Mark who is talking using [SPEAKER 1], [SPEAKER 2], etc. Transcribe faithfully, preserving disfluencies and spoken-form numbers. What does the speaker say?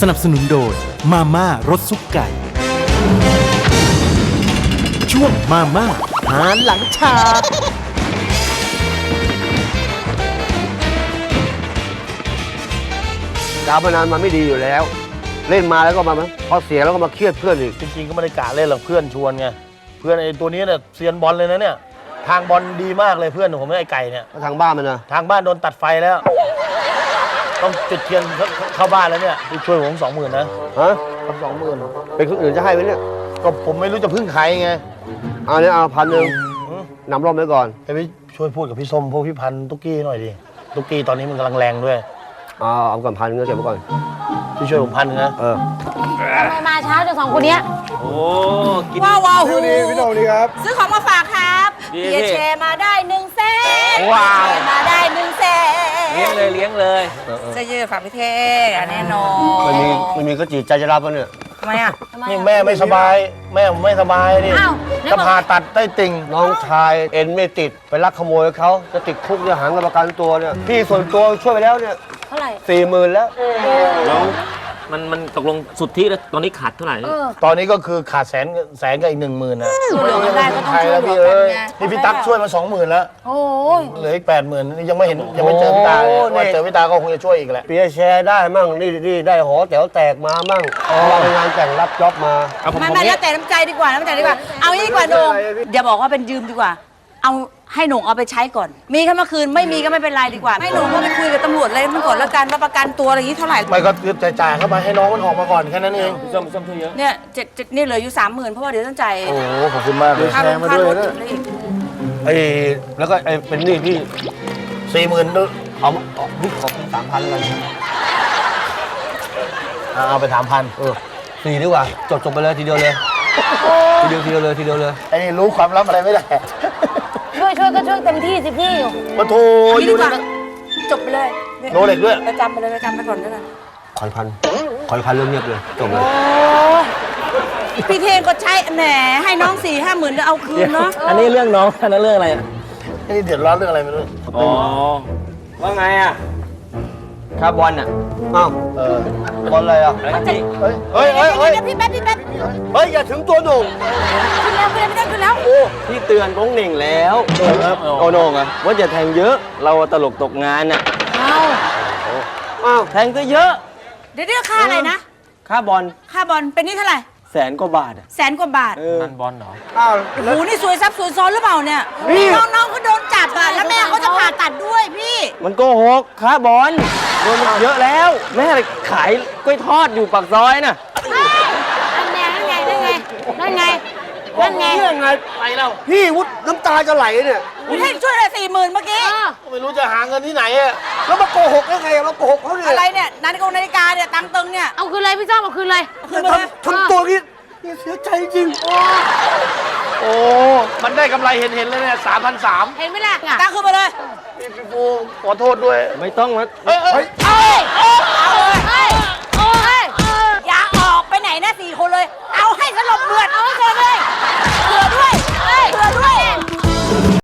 [SPEAKER 1] สนับสนุนโดยมาม่ารสซุปไก่ช่วงมาม่าหารหลังฉาก
[SPEAKER 2] การพนันมันไม่ดีอยู่แล้ว เล่นมาแล้วก็มาพอเสียแล้วก็มาเครียดเพื่อนอีก
[SPEAKER 3] จริงๆก็ไม่ได้กะเล่นหรอกเพื่อนชวนไงเพื่อนไอ้ตัวนี้เนี่ยเซียนบอลเลยนะเนี่ยทางบอลดีมากเลยเพื่อนผมไอ้ไก่เนี่ย
[SPEAKER 2] ทางบ้านมันนะ
[SPEAKER 3] ทางบ้านโดนตัดไฟแล้ว ต้องจุดเทียนเข้าบ้านแล้วเนี่ยไปช่วยผมสองหมื่นนะ
[SPEAKER 2] ฮะ
[SPEAKER 3] ครับสองหมื่น
[SPEAKER 2] เป็นคนอื่นจะให้ไหมเนี่ย
[SPEAKER 3] ก็ผมไม่รู้จะพึ่งใครไง
[SPEAKER 2] เอาเนี่ยเอาพันหนึ่งนำร่มไว้ก่อน
[SPEAKER 3] ไปช่วยพูดกับพี่ส้มพวกพี่พันธุ์ตุ๊กกี้หน่อยดิตุ๊กกี้ตอนนี้มันกำลังแรงด้วย
[SPEAKER 2] เอาเอาก่อนพันเงินเก็บไว้ก่อน
[SPEAKER 3] พี่ช่วยผมพันนะ
[SPEAKER 2] เออ
[SPEAKER 4] ทำไมมาช้าจังสองคนเนี้ย
[SPEAKER 5] โอ้กิน
[SPEAKER 4] ว้าวว้าวหู
[SPEAKER 2] พี่โดนี่ครับ
[SPEAKER 4] ซื้อของมาฝากครับ
[SPEAKER 5] ดี
[SPEAKER 4] เบียร์แชร์มาได้หนึ่งแสน
[SPEAKER 5] ว้าว
[SPEAKER 4] แชร์มาได้หนึ่งแสน
[SPEAKER 5] เลี้ยงเลยเลี้ยงเลย
[SPEAKER 4] เสื้อยืดฝากพี่เท่แน่นอน
[SPEAKER 2] ไม่มีไม่มีก็จีใจจะรับแล้วเนี่ย
[SPEAKER 4] ทำไมอ่ะ
[SPEAKER 3] นี่แม่ไม่สบาย แม่ผมไม่สบายนี่
[SPEAKER 4] อ้าว
[SPEAKER 3] จะผ่าตัดใต้ติ่ง
[SPEAKER 2] น้องชายเอ็นไม่ติดไปลักขโมยเขาจะติดคุกจะหาเงินประกันตัวเนี่ยพี่ส่วนตัวช่วยไปแล้วเนี่ย
[SPEAKER 4] เท่าไหร่
[SPEAKER 2] สี่หมื่นแล้ว
[SPEAKER 5] แล้วมันมันตกลงสุดที่แล้วตอนนี้ขาดเท่าไหร่
[SPEAKER 4] เออ
[SPEAKER 3] ตอนนี้ก็คือขาดแสนแสนกับอีกหนึ่งหมื่นนะ
[SPEAKER 4] ช่วยเหลือกันได้ก็ต้อง
[SPEAKER 3] ใคร
[SPEAKER 4] ช่วย
[SPEAKER 3] แล้ว
[SPEAKER 4] เหลื
[SPEAKER 3] พี่
[SPEAKER 4] อกั
[SPEAKER 3] เอ้
[SPEAKER 4] น
[SPEAKER 3] ย
[SPEAKER 4] ไง
[SPEAKER 3] นี่พี่ตั๊กช่วยมาสองหมื่นแล้ว
[SPEAKER 4] โอ้ย
[SPEAKER 3] เหลืออีกแปดหมื่นนี่ยังไม่เห็นยังไม่เจอพี่ตาเลยว่าเจอพี่ตาก็คงจะช่วยอีกแหละ
[SPEAKER 2] เปียร์แชร์ได้มั่งนี่นี่ได้หอแถวแตกมามั่งไปงานแต่งรับจ็อบมา
[SPEAKER 5] เอาผม
[SPEAKER 4] ไม่
[SPEAKER 5] ผม
[SPEAKER 4] ไม่
[SPEAKER 5] เนี่
[SPEAKER 4] แล้
[SPEAKER 5] ยว
[SPEAKER 4] แต่น้ำใจดีกว่าน้ำใจดีกว่า เอางี้ดีกว่าโหนงอย่าบอกว่าเป็นยืมดีกว่า เอาให้หนงเอาไปใช้ก่อน มีแค่เมื่อคืนไม่มีก็ไม่เป็นไรดีกว่า ให้หนงก็ไปคุยกับตำรวจอะไรมันก่อนแล้วกันว่าประกันตัวอะไรอย่างนี้เท่าไหร่
[SPEAKER 3] ไม่ก็จ่ายๆเข้าไปให้น้องมันออกมาก่อนแค่นั้นเอง
[SPEAKER 5] พี่ส้มพี่ส้มช่วยเยอะ
[SPEAKER 4] เนี่ยเจ็ดเจ็ดนี่เหลืออยู่สามหมื่นเพราะว่าเดี๋ยวต้องจ่าย
[SPEAKER 3] โอ้โหขอบคุณมากเลย
[SPEAKER 4] ค่ารถค่ารถอีก
[SPEAKER 2] ไอ้แล้วก็ไอ้เป็นหนี้พี่
[SPEAKER 3] สี่หมื่นด้วย
[SPEAKER 2] เอาเอาพี่ขอเป็นสามพันแล้วกัน
[SPEAKER 3] เอาไปสามพัน
[SPEAKER 2] เออสี่ดีกว่าจบจบไปเลยทีเดียวเลยทีเดียวทีเดียวเลยทีเดียวเลย
[SPEAKER 3] ไอ้นี่รู้ความลับอะไรไม่ได้
[SPEAKER 4] ช่วยช่วยก็ช่วยเต็มที่สิพี่
[SPEAKER 3] มาโทร
[SPEAKER 4] นี่
[SPEAKER 3] อ
[SPEAKER 4] ดี
[SPEAKER 3] ยู่
[SPEAKER 4] ก
[SPEAKER 3] ใน
[SPEAKER 4] ว่า
[SPEAKER 3] นั้น
[SPEAKER 4] จบไปเลย
[SPEAKER 3] โนเล็กด้วย
[SPEAKER 4] ประจำไปเลยประจำไปก่อนด้วยกัน
[SPEAKER 2] ขอยพันขอยพันเรื่องเงียบเลยจบเลย
[SPEAKER 4] โอ้พี่เทงก็ใช้แหมให้น้องสี่ห้าหมื่นแล้วเอาคืนเนาะ
[SPEAKER 5] อันนี้เรื่องน้องอันนั้นเรื่องอะไร
[SPEAKER 3] ไอ้นี่เดือดร้อนเรื่องอะไรไม่รู้
[SPEAKER 5] อ๋อว่าไงอ่ะค่าบอลอ่ะ
[SPEAKER 2] อ้าว
[SPEAKER 3] เออบ
[SPEAKER 2] อลอะไรอ่ะ
[SPEAKER 5] อะไรนี่
[SPEAKER 2] เฮ้ยเฮ้ยเฮ้ยเฮ้ย
[SPEAKER 4] เดี๋ยวพี่แป๊บพี่แป๊บ
[SPEAKER 2] เฮ้ยอย่าถึงตัวหนุ่ม
[SPEAKER 4] ขึ้นแล้วขึ้นแล้วพี่ได้ขึ้นแล้ว
[SPEAKER 5] พี่เตือนก้องเหน่งแล้วโอโหน่งอะว่าจะแทงเยอะ เราตลกตกงานอ่ะ
[SPEAKER 4] เอา
[SPEAKER 2] อ้าว
[SPEAKER 5] แทงซะเยอะ
[SPEAKER 4] เดี๋ยวเดี๋ยวค่าอะไรนะ
[SPEAKER 5] ค่าบอล
[SPEAKER 4] ค่าบอลเป็นนี่เท่าไหร่
[SPEAKER 5] แสนกว่าบาทอ่ะ
[SPEAKER 4] แสนกว่าบาท
[SPEAKER 5] นันบอลเหรอ
[SPEAKER 2] อ้าว
[SPEAKER 4] โอ้โหนี่สวยซับสวยซ้อนหรือเปล่าเนี่ยน้องๆเขาโดนจับอ่ะแล้วแม่เขาจะผ่าตัดด้วยพี่
[SPEAKER 5] มันโกหกค่าบอลโดนมันเยอะแล้ว แม่ไปขายกล้วยทอดอยู่ปากซอยน่ะ
[SPEAKER 4] นั่นไงนั่นไงนั่นไงนั่นไงนั่นไง
[SPEAKER 2] เรื่องไง
[SPEAKER 3] ไปแล้ว
[SPEAKER 2] พี่วุฒิน้ำตาจะไหลเนี่ย
[SPEAKER 4] พี่ให้ช่วยเลยสี่หมื่นเมื่อกี้
[SPEAKER 3] ไม่รู้จะหาเงินที่ไหนอะ
[SPEAKER 2] แล้วมาโกหกได้ไงมาโกหกเขาเนี่ย
[SPEAKER 4] อะไรเนี่ยนาฬิกานาฬิกาเนี่ยตังค์ตึงเนี่ย
[SPEAKER 6] เอาคืนเลยพี่จ้อมเอาคืนเลย
[SPEAKER 4] คืนมาเลย
[SPEAKER 2] ทำทำตัวนี้นี่เสียใจจริง
[SPEAKER 3] โอ้ มันได้กำไรเห็นเห็นเลยเนี่ยสามพันสาม
[SPEAKER 6] เห็นไหมล่ะ
[SPEAKER 4] ตังค์คืนมาเลย
[SPEAKER 3] พี่ปูขอโทษด้วย
[SPEAKER 5] ไม่ต้องนะ
[SPEAKER 3] เอ้ยเอ้ย
[SPEAKER 4] เอ้ย